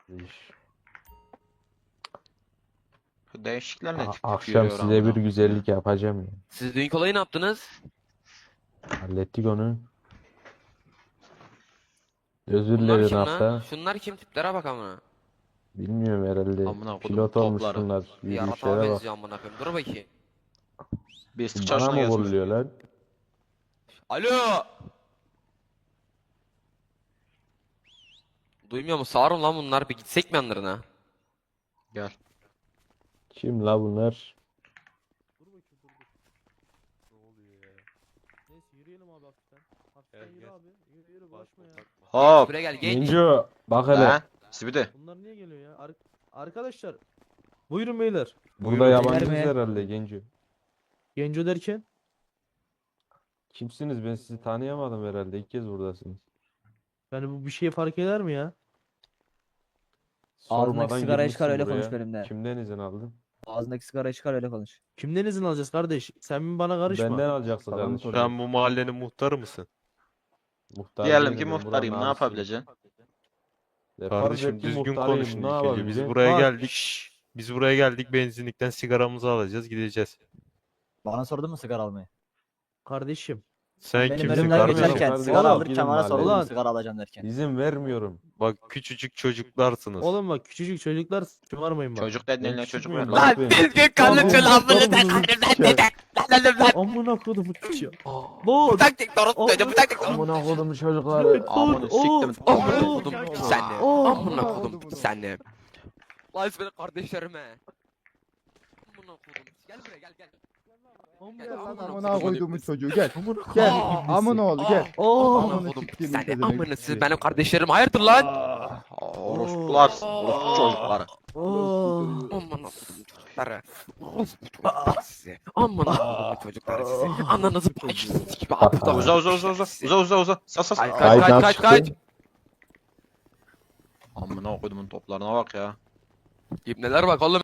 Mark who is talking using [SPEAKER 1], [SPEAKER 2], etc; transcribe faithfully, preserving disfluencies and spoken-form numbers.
[SPEAKER 1] İş.
[SPEAKER 2] Şu değişikler ne
[SPEAKER 1] A-
[SPEAKER 2] tip tip
[SPEAKER 1] akşam
[SPEAKER 2] yürüyor
[SPEAKER 1] size bir
[SPEAKER 2] amına
[SPEAKER 1] güzellik yapacağım ya.
[SPEAKER 3] Siz dünkü olayı ne yaptınız?
[SPEAKER 1] Hallettik onu. Özür
[SPEAKER 3] Bunlar
[SPEAKER 1] dilerim
[SPEAKER 3] kim lan?
[SPEAKER 1] hafta.
[SPEAKER 3] Şunlar kim, tiplere bak amına.
[SPEAKER 1] Bilmiyorum herhalde.
[SPEAKER 2] Amına kodum
[SPEAKER 1] Pilot olmuş
[SPEAKER 2] topları.
[SPEAKER 1] bunlar.
[SPEAKER 3] Yaratığa
[SPEAKER 1] Yürüyüşlere bak.
[SPEAKER 3] benziyor amına koyayım. Dur bakayım.
[SPEAKER 2] Bir istik
[SPEAKER 1] Bana
[SPEAKER 2] çalışına
[SPEAKER 1] mı
[SPEAKER 2] gelsin.
[SPEAKER 1] vuruluyor lan?
[SPEAKER 3] Alo! Duymuyor mu? Sağırım lan bunlar. Bir gitsek mi yanlarına?
[SPEAKER 2] Gel.
[SPEAKER 1] Kim la bunlar?
[SPEAKER 4] Dur bakayım dur dur. Ne oluyor ya? Neyse yürüyelim abi hafiften. Hafiften
[SPEAKER 5] Gel,
[SPEAKER 4] yürü
[SPEAKER 5] gel.
[SPEAKER 4] abi. Yürü yürü bulaşma ya.
[SPEAKER 2] Hop.
[SPEAKER 3] Buraya gel genç.
[SPEAKER 1] Genco bak hele.
[SPEAKER 2] Lan. Sibidi.
[SPEAKER 4] Bunlar niye geliyor ya? Ar- Arkadaşlar. Buyurun beyler.
[SPEAKER 1] Burada
[SPEAKER 5] Buyurun.
[SPEAKER 1] yabancıyız
[SPEAKER 4] Beyler mi?
[SPEAKER 1] herhalde Genco.
[SPEAKER 4] Genco derken.
[SPEAKER 1] Kimsiniz? Ben sizi tanıyamadım herhalde. İlk kez buradasınız.
[SPEAKER 4] Yani bu bir şey fark eder mi ya?
[SPEAKER 6] Ağzındaki
[SPEAKER 1] Sormadan
[SPEAKER 6] sigarayı çıkar,
[SPEAKER 1] girmişsin
[SPEAKER 6] öyle konuş
[SPEAKER 1] buraya.
[SPEAKER 6] benimle.
[SPEAKER 1] Kimden izin aldın?
[SPEAKER 6] Ağzındaki sigarayı çıkar öyle konuş.
[SPEAKER 4] Kimden izin alacağız kardeş? Sen mi bana karışma.
[SPEAKER 1] Benden alacaksın
[SPEAKER 5] Sana mı
[SPEAKER 1] kardeşim.
[SPEAKER 5] soruyorum? Sen bu mahallenin muhtarı mısın?
[SPEAKER 1] Muhtar
[SPEAKER 2] Diyelim
[SPEAKER 1] değilim
[SPEAKER 2] ki
[SPEAKER 1] ben,
[SPEAKER 2] muhtarıyım.
[SPEAKER 1] buranın
[SPEAKER 2] Ne
[SPEAKER 1] abisiyim.
[SPEAKER 2] yapabileceksin?
[SPEAKER 1] E, farz
[SPEAKER 5] Kardeşim
[SPEAKER 1] et ki
[SPEAKER 5] düzgün
[SPEAKER 1] muhtarıyım,
[SPEAKER 5] konuşun
[SPEAKER 1] ne
[SPEAKER 5] ilk önce. Biz
[SPEAKER 1] yapabileceğim?
[SPEAKER 5] buraya
[SPEAKER 4] Bak,
[SPEAKER 5] geldik.
[SPEAKER 4] şşş.
[SPEAKER 5] Biz buraya geldik, benzinlikten sigaramızı alacağız, gideceğiz.
[SPEAKER 6] Bana sordun mu sigara almayı?
[SPEAKER 4] Kardeşim.
[SPEAKER 5] Sen
[SPEAKER 6] Benim
[SPEAKER 5] kimsin
[SPEAKER 6] önümden
[SPEAKER 1] kardeşim?
[SPEAKER 5] kardeşim?
[SPEAKER 6] geçerken
[SPEAKER 1] Kardeşim,
[SPEAKER 6] sigara
[SPEAKER 1] oğlum,
[SPEAKER 6] alırken
[SPEAKER 1] gidin
[SPEAKER 6] bana sordun mu
[SPEAKER 4] mahalleye.
[SPEAKER 6] sigara alacağım derken.
[SPEAKER 1] İzin vermiyorum.
[SPEAKER 5] Bak küçücük çocuklarsınız.
[SPEAKER 4] Oğlum bak küçücük çocuklar şımarmayın bak.
[SPEAKER 2] Çocuk dediğin
[SPEAKER 1] Ben
[SPEAKER 2] ne
[SPEAKER 1] küçük
[SPEAKER 2] çocuk
[SPEAKER 1] müyüm
[SPEAKER 2] mu?
[SPEAKER 1] lan?
[SPEAKER 2] Lan.
[SPEAKER 1] Ben-
[SPEAKER 3] düzgün
[SPEAKER 4] konuşun lan,
[SPEAKER 1] bunu
[SPEAKER 4] bunu Amına kodumu çocuğu. Bu
[SPEAKER 3] taktik doğru söyledi. Bu taktik doğru.
[SPEAKER 1] Amına kodumu çocukları.
[SPEAKER 2] Amına siktim.
[SPEAKER 3] Amına
[SPEAKER 4] Oh,
[SPEAKER 3] kodum
[SPEAKER 4] oh,
[SPEAKER 3] senle.
[SPEAKER 4] oh,
[SPEAKER 3] Amına
[SPEAKER 4] oh,
[SPEAKER 3] kodum senle. Lan benim kardeşlerime. Amına kodum. Gel buraya gel gel.
[SPEAKER 4] Amına
[SPEAKER 3] Gel lan,
[SPEAKER 4] kodumu.
[SPEAKER 3] amına
[SPEAKER 7] koyduğumun çocuğu gel.
[SPEAKER 4] Amına
[SPEAKER 7] Gel.
[SPEAKER 4] kodumu.
[SPEAKER 7] Amına oğlu gel.
[SPEAKER 4] Oh.
[SPEAKER 3] Amına
[SPEAKER 7] Amına
[SPEAKER 3] kodum
[SPEAKER 7] siktiğimin
[SPEAKER 3] senle.
[SPEAKER 7] pezevenk.
[SPEAKER 3] Amına siz benim kardeşlerim. Hayırdır lan?
[SPEAKER 2] Orospular. Orospu çocukları.
[SPEAKER 4] Oh.
[SPEAKER 3] Amına kodum çocukları. Orospu çocuklar size. Amına kodum çocukları size. Ananızı paylaşırsınız gibi aptal.
[SPEAKER 2] Uza uza uza uza. Uza uza uza. Sas sas.
[SPEAKER 3] Kaç kaç
[SPEAKER 1] Kayıttan
[SPEAKER 3] kaç kaç
[SPEAKER 1] çıktı.
[SPEAKER 3] kaç.
[SPEAKER 2] Amına koyduğumun toplarına bak ya.
[SPEAKER 3] İbneler bak oğlum.